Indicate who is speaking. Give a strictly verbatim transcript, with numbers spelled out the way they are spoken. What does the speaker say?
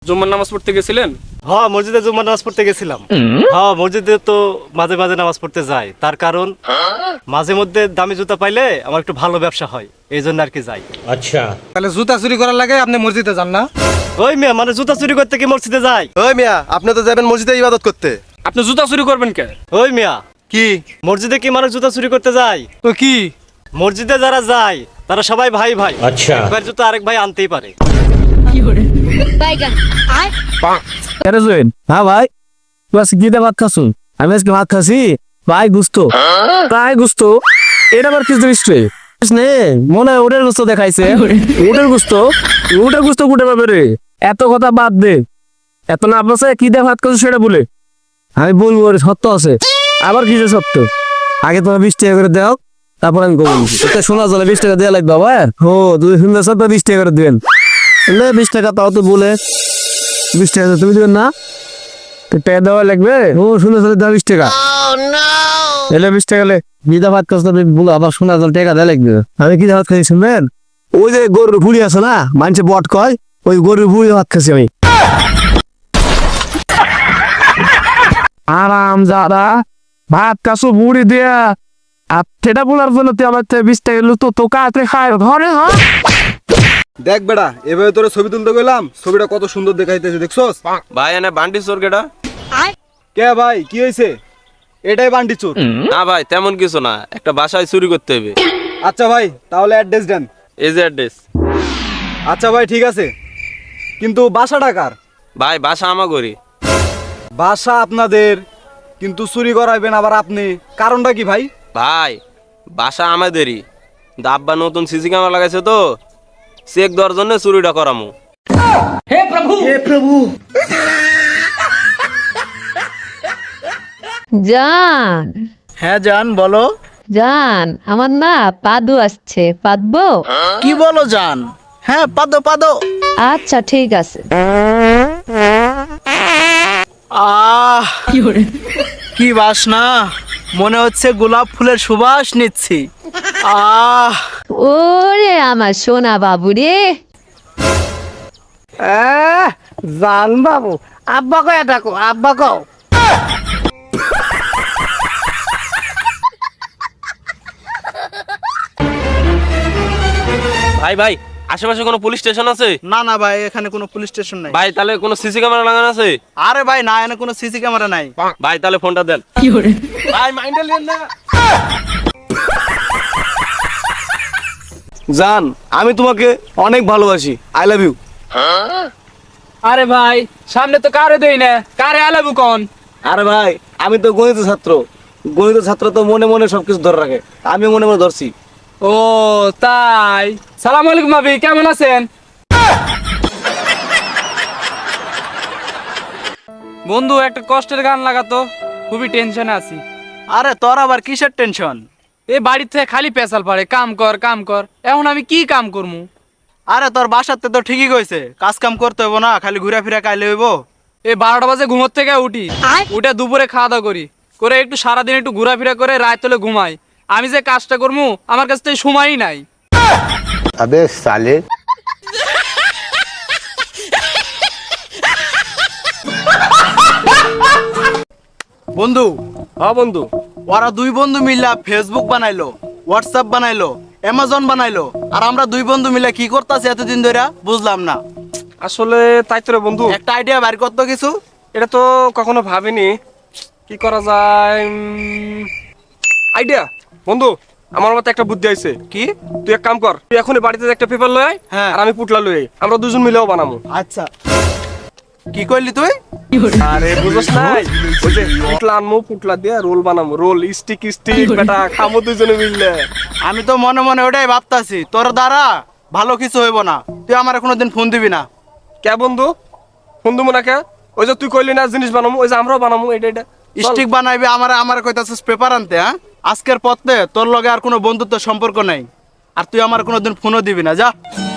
Speaker 1: জুম্মার নামাজ পড়তে গেছিলেন?
Speaker 2: হ্যাঁ, মসজিদে জুম্মার নামাজ পড়তে গেছিলাম। হ্যাঁ, মসজিদে তো মাঝে মাঝে নামাজ পড়তে যাই, তার কারণ মাঝে মধ্যে দামি জুতা পাইলে আমার একটু ভালো ব্যবসা হয়, এই জন্য আর কি যাই।
Speaker 3: আচ্ছা,
Speaker 4: তাহলে জুতা চুরি করার লাগে আপনি মসজিদে যান না?
Speaker 2: ওই মিয়া, মানে জুতা চুরি করতে কি মসজিদে যাই?
Speaker 5: ওই মিয়া, আপনি তো যাবেন মসজিদে ইবাদত করতে।
Speaker 1: আপনি জুতা চুরি করবেন কে?
Speaker 2: ওই মিয়া,
Speaker 5: কি
Speaker 2: মসজিদে কি মানুষ জুতা চুরি করতে যায়?
Speaker 4: তো কি?
Speaker 2: মসজিদে যারা যায় তারা সবাই ভাই ভাই,
Speaker 3: আচ্ছা।
Speaker 2: একবার জুতা আরেক ভাই আনতেই পারে।
Speaker 6: কেন জয়েন? হ্যাঁ ভাই, তুই আজকে কি দিয়ে ভাত খাসুন? আমি আজকে ভাত খাসি ভাই, গুস্তো তাই গুস্তো। এটা আবার কিছু জিনিস নে, মনে হয় ওটার গুস্তো দেখাইছে। ওটার গুস্তো ওটার গুস্তো কুটে পাবে রে? এত কথা বাদ দে, এত না আপনার কি দিয়ে ভাত খাসু সেটা বলে আমি বলবো। সত্য আছে, আবার কিছু সত্য। আগে তোমার বিশ টাকা করে দাও, তারপর আমি কবো। শোনা চলে বিশ টাকা দেওয়া লাগবে বাবা। ও দুই সুন্দর সত্য বিশ টাকা করে দেবেন। বিশ টাকা তাও তো বলে বিশ টাকা তুমি দেবেন না? টাকা দেওয়া লাগবে। ও শুনে চলে দাও বিশ টাকা এলে বিশ টাকা বিদা ভাত খাস বলো, আবার শোনা জল টাকা দেওয়া লাগবে। আমি কি ভাত খাই শুনবেন? ওই যে গরুর ভুড়ি আছে না, মানুষে বট কয়, ওই গরুর ভুড়ি ভাত খাচ্ছি আমি। আরাম যারা ভাত কাশো ভুড়ি দিয়া আর সেটা বলার জন্য তুই আমার বিশ টাকা তো তো কাতে খায় ধরে। হ্যাঁ
Speaker 5: দেখ বেটা, এভাবে তোরে ছবি তুলতে গেলাম, ছবিটা কত সুন্দর দেখাইতেছে, দেখছস?
Speaker 1: ভাই এনে বান্ডি চোর কেডা?
Speaker 5: কে ভাই, কি হয়েছে? এটাই বান্ডি চোর?
Speaker 1: না ভাই, তেমন কিছু না, একটা বাসায় চুরি করতে হবে।
Speaker 5: আচ্ছা ভাই, তাহলে অ্যাড্রেস দেন।
Speaker 1: এই যে অ্যাড্রেস।
Speaker 5: আচ্ছা ভাই, ঠিক আছে, কিন্তু বাসাটা কার?
Speaker 1: ভাই বাসা আমাগরি।
Speaker 5: বাসা আপনাদের, কিন্তু চুরি করাইবেন আবার আপনি, কারণটা কি ভাই?
Speaker 1: ভাই বাসা আমাদেরই, আব্বা নতুন সিসি ক্যামেরা লাগাইছে তো, চেক দেওয়ার জন্য চুরিটা করামু।
Speaker 7: জান,
Speaker 8: হ্যাঁ জান, বলো।
Speaker 7: জান আমার না পাদু আসছে, পাদবো?
Speaker 8: কি বলো জান? হ্যাঁ পাদো পাদো।
Speaker 7: আচ্ছা ঠিক আছে।
Speaker 8: আহ কি বাসনা, মনে হচ্ছে গোলাপ ফুলের সুবাস নিচ্ছি। আহ
Speaker 7: ওরে আমার সোনা বাবু রে।
Speaker 8: জান বাবু, আব্বা কয়ে ডাকো, আব্বা কও।
Speaker 1: ভাই ভাই, আশেপাশে কোনো পুলিশ স্টেশন আছে?
Speaker 8: না না ভাই, এখানে কোনো পুলিশ স্টেশন নাই।
Speaker 1: ভাই তাহলে কোনো সিসি ক্যামেরা লাগানো আছে?
Speaker 8: আরে ভাই না, এখানে কোনো সিসি ক্যামেরা নাই।
Speaker 1: ভাই তাহলে ফোনটা দেন। ভাই মাইন্ডে লিয়েন না।
Speaker 2: জান, আমি তোমাকে অনেক ভালোবাসি, আই লাভ ইউ।
Speaker 4: আরে ভাই, সামনে তো কারে দেই না, কারে আলাবু কোন?
Speaker 2: আরে ভাই, আমি তো গণিত ছাত্র, গণিত ছাত্র তো মনে মনে সবকিছু ধরে রাখে, আমি মনে মনে ধরছি।
Speaker 4: ও তাই। সালাম আলাইকুম ভাবি, কেমন আছেন? বন্ধু একটা কষ্টের গান লাগাতো, খুবই টেনশনে আছি।
Speaker 8: আরে তোর আবার কিসের টেনশন?
Speaker 4: এই বাড়ির থেকে খালি পেশাল পারে, কাম কর কাম কর, এখন আমি কি কাম করবো?
Speaker 8: আরে তোর বাসাতে তো ঠিকই কইছে, কাজ কাম করতে হইব না, খালি ঘুরে ফিরে কাইলে হইব।
Speaker 4: এই বারোটা বাজে ঘুমোর থেকে উঠি, উঠে দুপুরে খাওয়া দাওয়া করি, করে একটু সারাদিন একটু ঘোরাফেরা করে রাত হলে ঘুমাই। আমি যে কাজটা করবো আমার কাছ থেকে সময়ই নাই।
Speaker 3: আবে সালে।
Speaker 8: বন্ধু,
Speaker 2: হ্যাঁ বন্ধু,
Speaker 8: ওরা দুই বন্ধু মিলা ফেসবুক বানাইলো, হোয়াটসঅ্যাপ বানাইলো, অ্যামাজন বানাইলো, আর আমরা দুই বন্ধু মিলে কি করতেছি এতদিন ধরে বুঝলাম না।
Speaker 1: আসলে তাই তো রে বন্ধু,
Speaker 8: একটা আইডিয়া বাইর করতো কিছু।
Speaker 1: এটা তো কখনো ভাবিনি কি করা যায়। আইডিয়া বন্ধু, আমার মতে একটা বুদ্ধি আইছে।
Speaker 8: কি?
Speaker 1: তুই এক কাম কর, তুই এখনই বাড়িতে একটা পেপার লই আয়,
Speaker 8: হ্যাঁ।
Speaker 1: আর আমি পুটলা লই আই, আমরা দুজন মিলেও বানাবো।
Speaker 8: আচ্ছা, কি কইলি তুই?
Speaker 1: আরে বুঝছ নাই, ওই যে পুটলা আনমু, পুটলা দিয়ে রোল বানাবো, রোল স্টিক স্টিক বেটা খামো দুজনে মিললে।
Speaker 8: আমি তো মনে মনে ওটাই ভাবতাছি, তোর দ্বারা ভালো কিছু হইব না, তুই আমার কোনোদিন ফোন দিবি না।
Speaker 1: কে বন্ধু? ফোন দিবো না কে? ওই যে তুই কইলি না জিনিস বানাবো, ওই যে আমরাও বানাবো, এটা এটা
Speaker 8: স্টিক বানাইবি, আমার আমার কইতাছিস পেপার আনতে? হ্যাঁ, আজকের পথে তোর লগে আর কোনো বন্ধুত্ব সম্পর্ক নাই, আর তুই আমার কোনোদিন ফোনও দিবি না, যা।